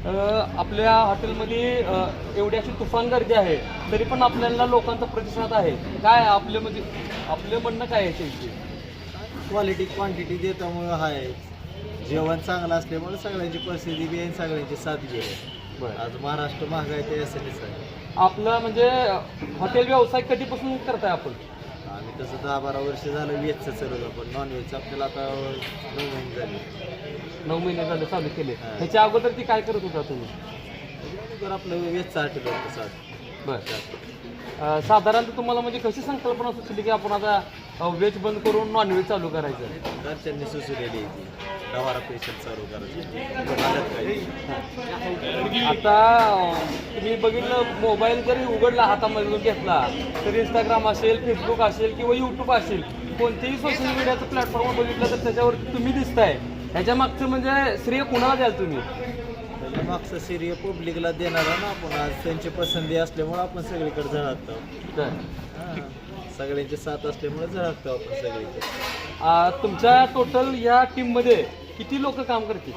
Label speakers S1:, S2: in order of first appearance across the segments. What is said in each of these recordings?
S1: आपल्या हॉटेलमध्ये एवढी अशी तुफान गर्दी आहे, तरी पण आपल्याला लोकांचा प्रतिसाद आहे. काय आपलं म्हणजे आपलं म्हणणं काय आहे त्याची?
S2: क्वालिटी क्वांटिटी देतामुळं आहे. जेवण चांगलं असल्यामुळे सगळ्यांची परिस्थिती बी आहे, सगळ्यांची साथ बी आहे. आज महाराष्ट्र महागाई ते यासाठीच आहे.
S1: आपलं म्हणजे हॉटेल व्यवसाय कधीपासून करताय आपण?
S2: आम्ही तसं 10-12 वर्ष झालं व्हेजचं चालवलं, पण नॉनव्हेजचं आपल्याला आता 9 महिने झाले.
S1: 9 महिने झाले चालू केले.
S2: हा.
S1: ह्याच्या अगोदर ती काय करत होता तुम्ही?
S2: तर आपलं व्हेजचं हॉटेल होतं सात.
S1: बरं. साधारणतः तुम्हाला म्हणजे कशी संकल्पना सुचली की आपण आता व्हेज बंद करून नॉनव्हेज चालू करायचं?
S2: घरच्यांनी सुचवलेली आहे ती गवारा पेशल चालू करायची. हालत काही
S1: आता तुम्ही बघितलं, मोबाईल जरी उघडला हातामधून घेतला तर इंस्टाग्राम असेल, फेसबुक असेल किंवा यूट्यूब असेल, कोणतेही सोशल मीडियाचं प्लॅटफॉर्म बघितलं तर त्याच्यावरती तुम्ही दिसताय. ह्याच्या मागचं म्हणजे श्रेय कुणाला द्याल तुम्ही?
S2: त्याच्या मागचं सिरिय पब्लिकला देणारा ना आपण. आज त्यांची पसंती असल्यामुळे आपण सगळीकडे झळकतो.
S1: काय
S2: सगळ्यांची साथ असल्यामुळे झळकतो आपण सगळीकडे.
S1: तुमच्या टोटल या टीममध्ये किती लोक काम करतील?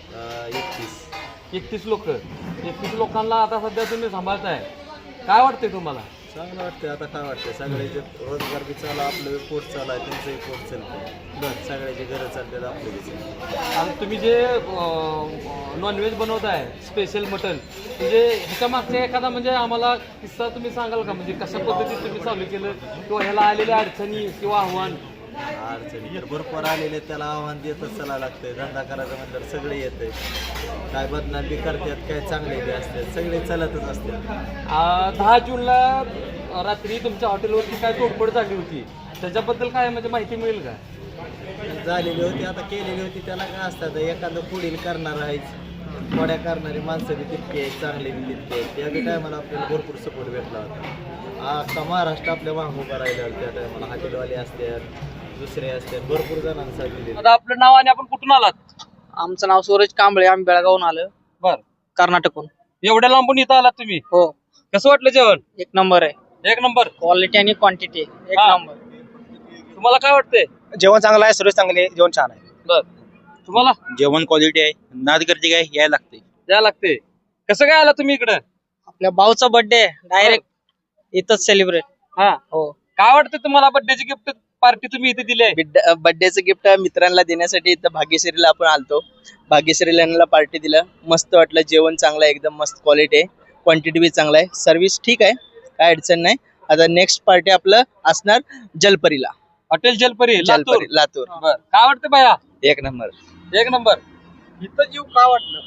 S1: 31 लोक. 31 लोकांना आता सध्या तुम्ही सांभाळताय. काय वाटतंय तुम्हाला?
S2: चांगलं वाटतंय. आता काय वाटतंय, सगळ्याचे रोजगार बी चालू, आपलं पोट चालू आहे, त्यांचंही पोट चालतंय.
S1: बरं.
S2: सगळ्याचे घरं चालतात, आपले बी चालतात.
S1: आणि तुम्ही जे नॉनव्हेज बनवताय, स्पेशल मटन, म्हणजे ह्याच्या मागचा एखादा म्हणजे आम्हाला किस्सा तुम्ही सांगाल का? म्हणजे कशा पद्धतीत तुम्ही चालू केलं किंवा ह्याला आलेल्या अडचणी किंवा आव्हान?
S2: अडचणी तर भरपूर आलेले, त्याला आव्हान देतच चला लागतंय. धंदा करायचा म्हणल्यावर सगळे येतंय. काय बदनाम बी करतात, काय चांगले बी असतात, सगळे चलतच असतात.
S1: 10 जूनला रात्री तुमच्या हॉटेलवरती काय तोडफोड झाली होती, त्याच्याबद्दल काय म्हणजे माहिती मिळेल का?
S2: झालेली होती, आता केलेली होती. त्याला काय असतात, एखादं पुढील करणार आहेच, थोड्या करणारी माणसं बी तितके आहेत, चांगले बी तितके आहेत. त्या बी टायमाला आपल्याला भरपूर सपोर्ट भेटला होता. अख्खा महाराष्ट्र आपल्या मागं उभा राहिला त्या टायमाला. हॉटेलवाले असतात, दुसरे असतात, भरपूर जणांना साथ दिली.
S1: आता आपलं नाव आणि आपण कुठून आलात?
S3: आमचं नाव सूरज कांबळे, आम्ही बेळगावून आलो.
S1: बर.
S3: कर्नाटकहून.
S1: एवढ्या लांबून इथं आलात तुम्ही?
S3: हो.
S1: कसं वाटलं जेवण?
S3: एक नंबर आहे.
S1: एक नंबर.
S3: क्वालिटी आणि क्वांटिटी एक
S1: हा.
S3: नंबर.
S1: तुम्हाला काय वाटतंय?
S4: जेवण चांगलं आहे, सर्विस चांगली आहे, जेवण छान आहे.
S1: बर. तुम्हाला
S4: जेवण क्वालिटी आहे, नाद गर्दी काय यायला लागते.
S1: द्या लागते. कसं काय आला तुम्ही इकडं?
S3: आपल्या भाऊचा बर्थडे डायरेक्ट इथंच सेलिब्रेट.
S1: हा.
S3: हो.
S1: काय वाटतं तुम्हाला? बर्थडेची गिफ्ट पार्टी तुम्ही इथे दिली आहे.
S3: बर्थडेचं गिफ्ट मित्रांना देण्यासाठी इथं भाग्यश्रीला आपण आलतो. भाग्यश्रीला पार्टी दिलं. मस्त वाटलं. जेवण चांगलं आहे, एकदम मस्त क्वालिटी आहे, क्वांटिटी बी चांगला आहे, सर्व्हिस ठीक आहे, काय अडचण नाही. आता नेक्स्ट पार्टी आपलं असणार जलपरीला.
S1: हॉटेल जलपरी लातूर.
S3: लातूर.
S1: बर. काय वाटतं बाया?
S3: एक नंबर.
S1: एक नंबर. इथं जीव का वाटलं?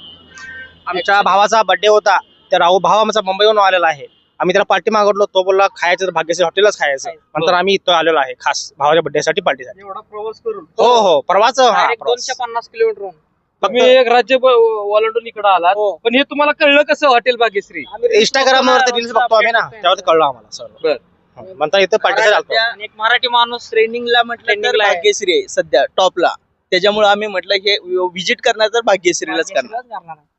S4: आमच्या भावाचा बर्थडे होता, तर भाव आमचा मुंबईहून आलेला आहे. आम्ही त्याला पार्टी मागवलो, तो बोलला खायचं तर भाग्यश्री हॉटेलच खायचं. नंतर आम्ही इथं आलेलो आहे खास भावाच्या बर्थडे साठी, पार्टीसाठी.
S1: एवढा प्रवास करून
S4: हो हो, प्रवास.
S3: 250 किलोमीटर.
S1: तुम्ही एक राज्य ओलांडून इकडे आलात.
S3: हो.
S1: पण हे तुम्हाला कळलं कसं हॉटेल भाग्यश्री?
S4: इंस्टाग्राम वरती रील्स बघतो आम्ही ना, त्यावर कळलं आम्हाला सर्व.
S1: बर.
S4: म्हणता इथं पार्टीसाठी आलतो.
S3: आणि एक मराठी माणूस
S5: ट्रेंडिंगला म्हटलं तर
S3: ट्रेंडिंगला आहे.
S5: भाग्यश्री आहे सध्या टॉपला. त्याच्यामुळे आम्ही म्हटलं हे विजिट करणार तर भाग्यश्रीलाच करणार.